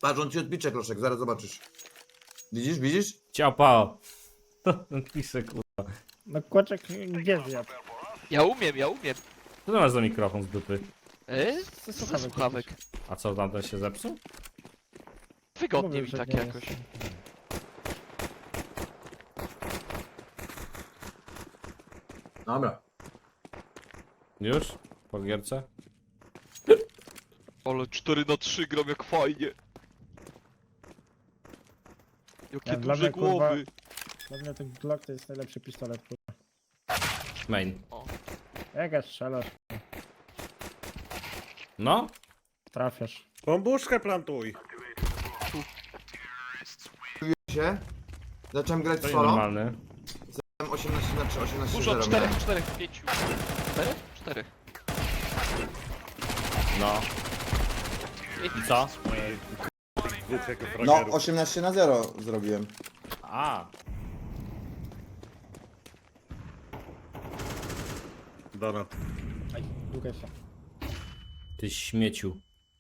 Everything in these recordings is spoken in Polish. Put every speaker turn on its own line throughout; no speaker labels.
Patrz, on ci odpicze, Kloszek, zaraz zobaczysz. Widzisz, widzisz?
Ciapa. Piszę, kurwa.
No kłaczek gdzie zjadł?
Ja umiem.
Co to masz za mikrofon z dupy?
Ze słuchawek.
A co, tamten się zepsuł?
Wygodnie
Mówię,
mi
że
tak
nie
jakoś.
jest.
Dobra.
Już? Po gierce?
Ale 4-3 gram jak fajnie. Jakie
Ja, dla
duże
mnie, kurwa,
głowy.
Dla mnie ten Glock to jest najlepszy pistolet, kurwa.
Main.
Jak ja strzelasz,
No?
trafiasz.
Bombuszkę plantuj.
Się. Zacząłem grać
To
solo.
normalny.
Miałem 18 na 3, 18
Dużo,
0
4,
miałem.
4, 5. 4? 4.
No. I co?
Dwóch jako
No,
fragerów.
18 na 0 zrobiłem.
A.
Donat.
Aj, długa się.
Ty śmieciu.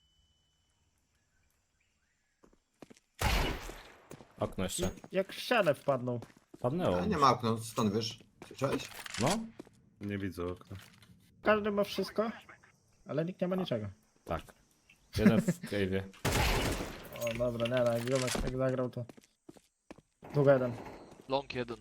Okno jeszcze.
Jak w ścianę wpadną.
Padnęło.
A nie ma okna, stąd wiesz. Słyszałeś?
No?
Nie widzę okna.
Każdy ma wszystko, ale nikt nie ma niczego.
Tak. Jeden w cave'ie.
O dobra, nie, jak Ziomek jak zagrał to... Długa jeden.
Long 1.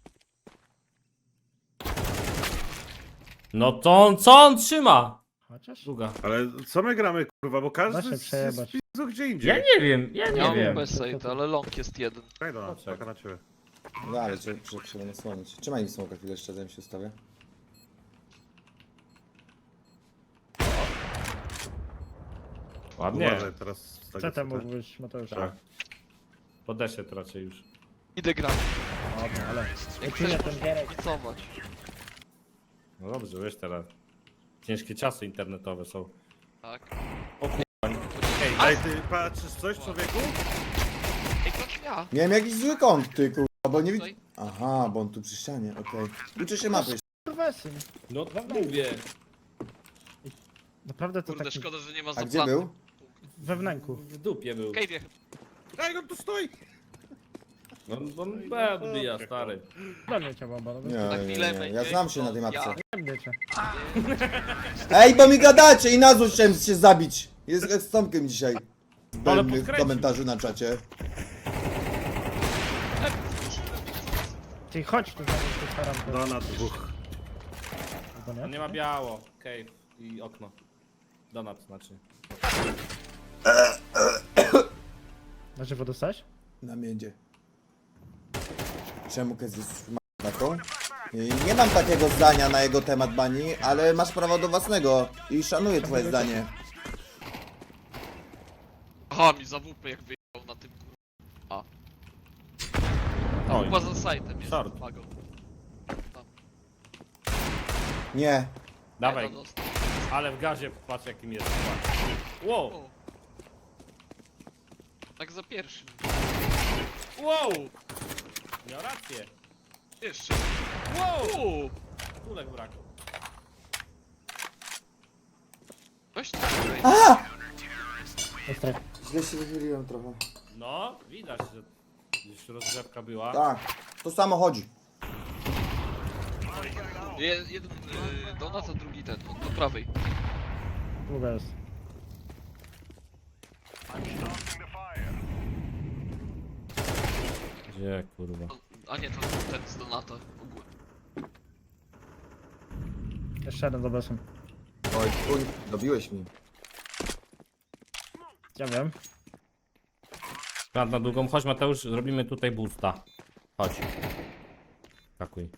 No to on, co on trzyma?
Chociaż?
Długa.
Ale co my gramy, kurwa, bo każdy
Da się
jest
przejebać.
pizdu gdzie indziej.
Ja nie wiem, ja
Ja
nie
mam
wiem.
bez save, ale long jest 1.
Daj Donat,
Poczekaj.
czeka na ciebie.
No ale trzeba nasłonić. Trzymaj mi smoka chwilę jeszcze, zanim się ustawię.
Ładnie.
Uważaj, teraz z
Co tam mógł być, Mateusz?
Tak. Podeszę to raczej już.
Idę grać.
Dobra, ale...
Jak
Lecimy
chcesz,
ten
możesz
gierek.
picować.
No dobrze, wiesz teraz. Ciężkie czasy internetowe są.
Tak.
Ej, daj, ty patrzysz coś, człowieku?
Ej, patrz ja.
Miałem jakiś zły kąt, ty kurwa, bo nie widzę.
Tutaj.
Aha, bo on tu przy ścianie, okej. Uczy się mapy.
Kurwa, syn.
No mówię.
Naprawdę to
Kurde,
taki
szkoda, że nie ma
A gdzie
zaplanu.
był?
we wnęku.
W dupie był.
Cave'ie.
Ej, on tu stoi!
No on odbija, stary.
Do mnie cię bomba, no
Nie,
bez...
Na
nie,
chwilę
nie,
będzie
ja znam się na tej
to
mapce.
ja.
Nie mnie cię.
Ej, bo mi gadacie i na złość chciałem się zabić. Jest z Tomkiem dzisiaj.
Ale
Zbędnych
podkręcił.
komentarzy na czacie.
Ty chodź tu zaraz tu staram to.
Donat dwóch.
Albo
On
nie?
nie ma biało. Cave i okno. Donat znaczy.
Na żywo dostałeś?
Na miedzie. Czemu Kez jest taką? Nie mam takiego zdania na jego temat, Bani, ale masz prawo do własnego i szanuję twoje zdanie.
Aha, mi za WP jak wyjechał na tym kurwa.
Oj.
Chyba za sajtem jest.
Short.
Magą. Tam.
Nie.
Dawaj.
Jeden dostał.
Ale w gazie patrz jakim jest. Wow.
O. Tak za pierwszym.
Wow. Miał rację.
Jeszcze.
Wow. Kulek brakło.
Weź to tutaj.
Jest tak.
Źle się wychyliłem trochę.
No, widać, że już rozgrzewka była.
Tak, to samo chodzi.
Jeden donat, a drugi ten. Do prawej.
Długa jest.
Gdzie kurwa?
A nie, to ten z donata. Ogólnie.
Jeszcze jeden z obecnym.
Oj, uj, dobiłeś mi.
Ja wiem.
Plan na długą. Chodź Mateusz, zrobimy tutaj boosta. Chodź. Takuj.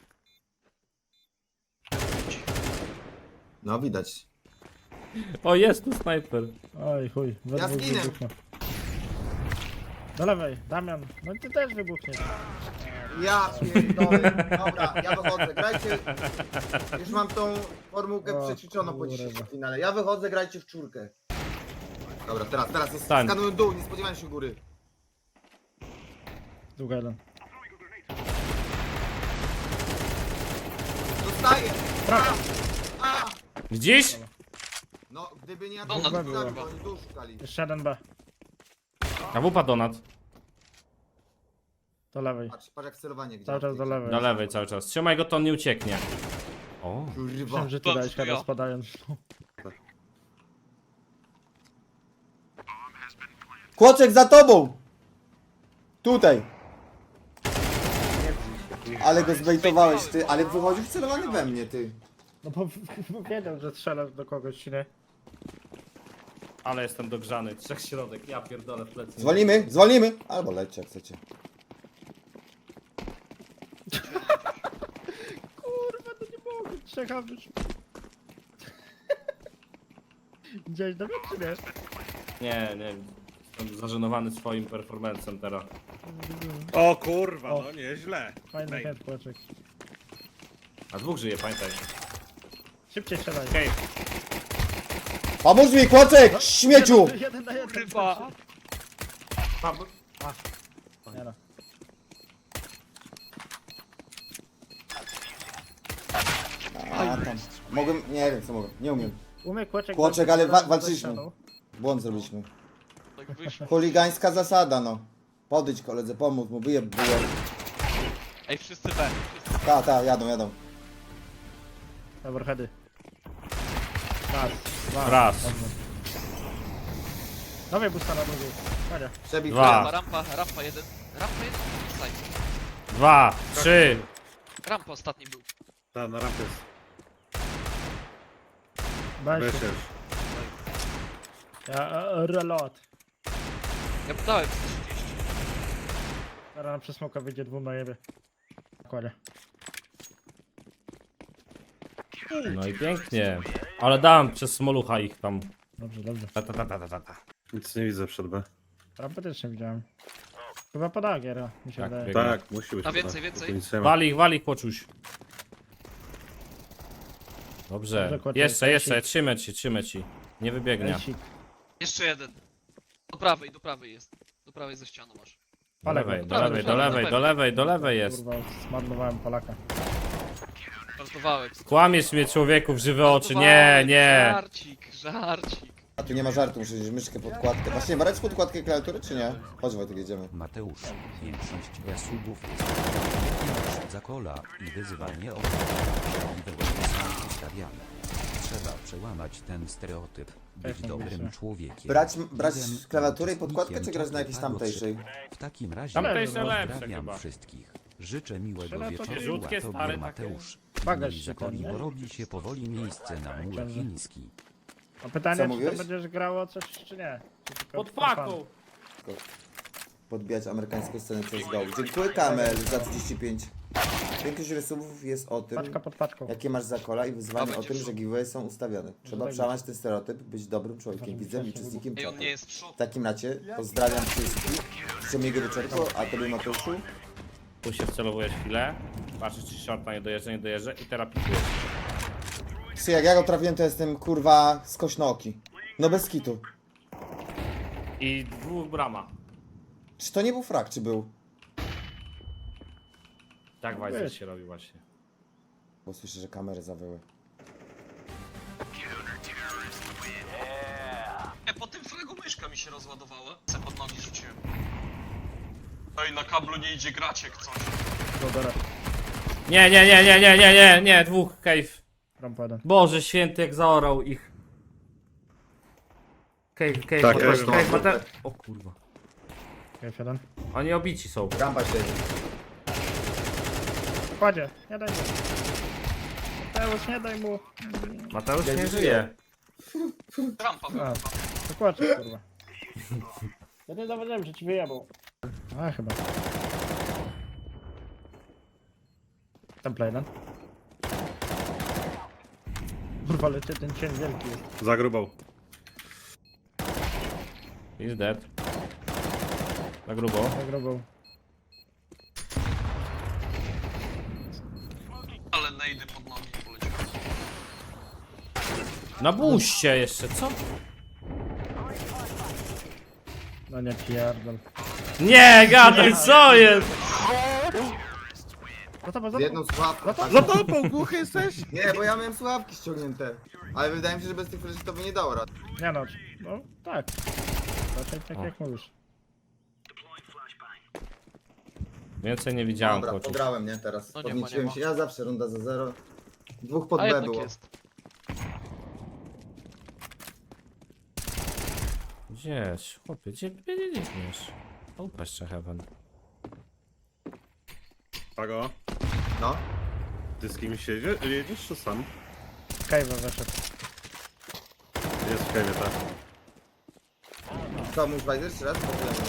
No widać.
O, jest tu snajper.
Oj chuj, we
Ja
dwóch
zginę.
wybuchnie. Do lewej, Damian. No ty też wybuchniesz.
Ja pierdolę. Dobra, ja wychodzę, grajcie. Już mam tą formułkę
O,
przećwiczoną po
kurwa.
dzisiejszym finale. Ja wychodzę, grajcie w czwórkę. Dobra, teraz jest
Stań.
skanują dół, nie spodziewałem się góry.
Długa jeden.
Dostaję! A!
Gdzieś?
No, gdyby nie ja
No,
to
na
bym
dół
zabił,
było.
oni dół szukali.
Jeszcze jeden B.
A wupa donat.
Do lewej.
Patrz jak celowanie gdzie.
Cały czas do lewej.
Do lewej cały czas. Trzymaj go, to on nie ucieknie. O.
Kurwa.
Myślałem, że ty
Dobrze,
dałeś
to ja.
teraz spadając.
Kłoczek za tobą! Tutaj. Ale go zbejtowałeś ty, ale wychodził celowany we mnie ty.
No bo wiedział, że strzelasz do kogoś, nie?
Ale jestem dogrzany. 3 środek, ja pierdolę w plecy.
Zwolnimy, zwolnimy! Albo lećcie jak chcecie.
Kurwa, to nie mogę. Czekam już. Widziałeś do mnie, czy nie?
Nie. Jestem zażenowany swoim performancem teraz.
O kurwa,
O.
no nieźle.
Fajny
Ej,
head, Kłoczek.
A 2 żyje, pamiętaj.
Szybciej strzelaj.
Okej.
Pomóż mi, Kłoczek! Śmieciu!
Jeden na jeden.
Kurwa.
Nie no.
A tam. Mogłem, nie wiem co mogę, nie umiem.
Umie Kłoczek...
Kłoczek, ale
walczyć
walczyliśmy.
ze ścianą.
Błąd zrobiliśmy.
Tak wyszło.
Chuligańska zasada no. Podejdź koledze, pomóż mu, wyjeb bułę.
Ej, wszyscy B. Wszyscy.
Ta, jadą.
Dobra, heady. Raz, dwa.
Raz.
Dobrze. Dawaj busta na drugiej. Chodź.
Przebij
Dwa.
Rampa jeden. Rampa jeden. Side.
2, 3.
Rampa ostatni był.
Ta, na rampie jest.
Weź się.
Wyszesz.
Reload.
Ja podałem 30.
Teraz na przesmoka wyjdzie 2 na jebie. Kładzie.
No i pięknie. Ale dam przez smolucha ich tam.
Dobrze, dobrze.
Ta.
Nic nie widzę przed B.
Rampę też nie widziałem. Chyba poda giera, mi się
Tak,
wydaje.
biegnie.
Tak, musi być.
A
chyba.
więcej, więcej.
Tu nic nie ma.
Wali ich, kłoczuś. Dobrze.
Dobrze, kłoczek.
Jeszcze, trzymaj ci. Nie wybiegnie.
Ejsik.
Jeszcze jeden. Do prawej jest. Do prawej ze ścianą masz.
Do lewej,
Palek,
do lewej jest.
Kurwa, zmarnowałem Polaka.
Żartowałem.
Kłamiesz mnie człowieku w żywe oczy. Nie.
Żarcik.
A tu nie ma żartu, muszę wziąć myszkę, podkładkę. Właśnie, brać podkładkę klawiatury czy nie? Chodź Wojtek, jedziemy.
Mateusz, większość zasubów jest za kola i wyzywanie obrzydliwego są ustawiane. Trzeba przełamać ten stereotyp, być
Tak,
dobrym
myślę.
człowiekiem.
Brać
Jeden
klawiaturę i podkładkę, czy
uczestnikiem
grać na jakiejś
czwartego
tamtejszej?
cyklu. W takim razie
Tamtejsze lepsze
pozdrawiam
chyba.
wszystkich. Życzę miłego
Trzeba to
wieczoru,
rzutkie,
a tobie
stare
Mateusz.
Bagaż
Miej
się
zakoli,
tam,
bo
nie?
robi się powoli miejsce na mur
Ciągle.
chiński.
A pytanie,
Co
czy
mówiłeś?
to będziesz grało coś, czy nie? Czy tylko
Pod
for fun?
paką.
Podbijać amerykańską scenę CSGO. Dziękuję Kamel za 35. Większość rysów jest o tym,
Paczka pod paczką.
jakie masz zakola i wyzwanie
A
o tym,
będziesz-
że giveaway są ustawione. Trzeba
tak.
przełamać ten stereotyp, być dobrym człowiekiem, widzem i uczestnikiem
Ej, on
czatu.
nie jest w szoku.
W takim racie pozdrawiam wszystkich. Życzę miłego wieczorku, a tobie Mateuszu.
Tu się wcelowujesz chwilę. Patrzysz czy shorta nie dojeżdża i teraz pikujesz.
Czy jak ja go trafiłem, to jestem kurwa skośnooki. No bez kitu.
I 2 brama.
Czy to nie był frak, czy był?
Tak Wajzer się robi właśnie.
Bo słyszę, że kamery zawyły.
Po tym fragu myszka mi się rozładowała. Se pod nogi rzuciłem. Ej, na kablu nie idzie grać jak coś.
Dobra,
Nie, 2 cave.
rampa jeden.
Boże święty, jak zaorał ich. Cave,
Tak,
cave, Mate... O kurwa.
F1.
Oni obici są.
Rampa siedzi.
Kładzie, nie daj mu. Mateusz, nie daj mu.
Mateusz nie żyje.
Rampa była.
A, to kłaczek, kurwa. Ja nie zauważyłem, że ci wyjebał. A, chyba. Temple jeden. Kurwa, ale ten cień wielki jest.
Zagrubał.
He's dead. Za grubo.
Zagrobał.
Ale nejdy pod nogi poleciały.
Na buście jeszcze, co?
No nie pierdol.
Nie, gadaj, co jest?
No to
Z jedną słuchawką.
Za tobą, głuchy jesteś?
Nie, bo ja miałem słuchawki ściągnięte. Ale wydaje mi się, że bez tych fleszy to by nie dało rady.
Nie no, no tak. Raczej tak
O.
jak mówisz.
Więcej nie widziałem,
Dobra,
kociu.
pograłem, nie? Teraz
No nie ma,
podnieciłem
nie ma.
się. Ja zawsze runda za 0. Dwóch pod
A
B
jednak
było.
jest.
Gdzieś, chłopie, gdzie biegniesz? Upaść się heaven.
Pago,
No.
ty z kimś jedziesz czy sam?
Kajwa weszedł.
Jest w kajwie, tak.
Co, musisz wejść jeszcze raz?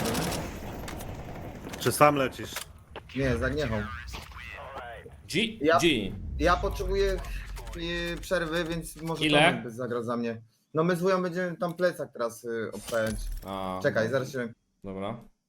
Czy sam lecisz?
Nie, z Agniechą.
G,
Ja-
G.
Ja potrzebuję przerwy, więc może
Ile?
Tomek by zagrał za mnie. No my z wują będziemy tam plecak teraz obstawiać.
A,
Czekaj, zaraz się...
Dobra.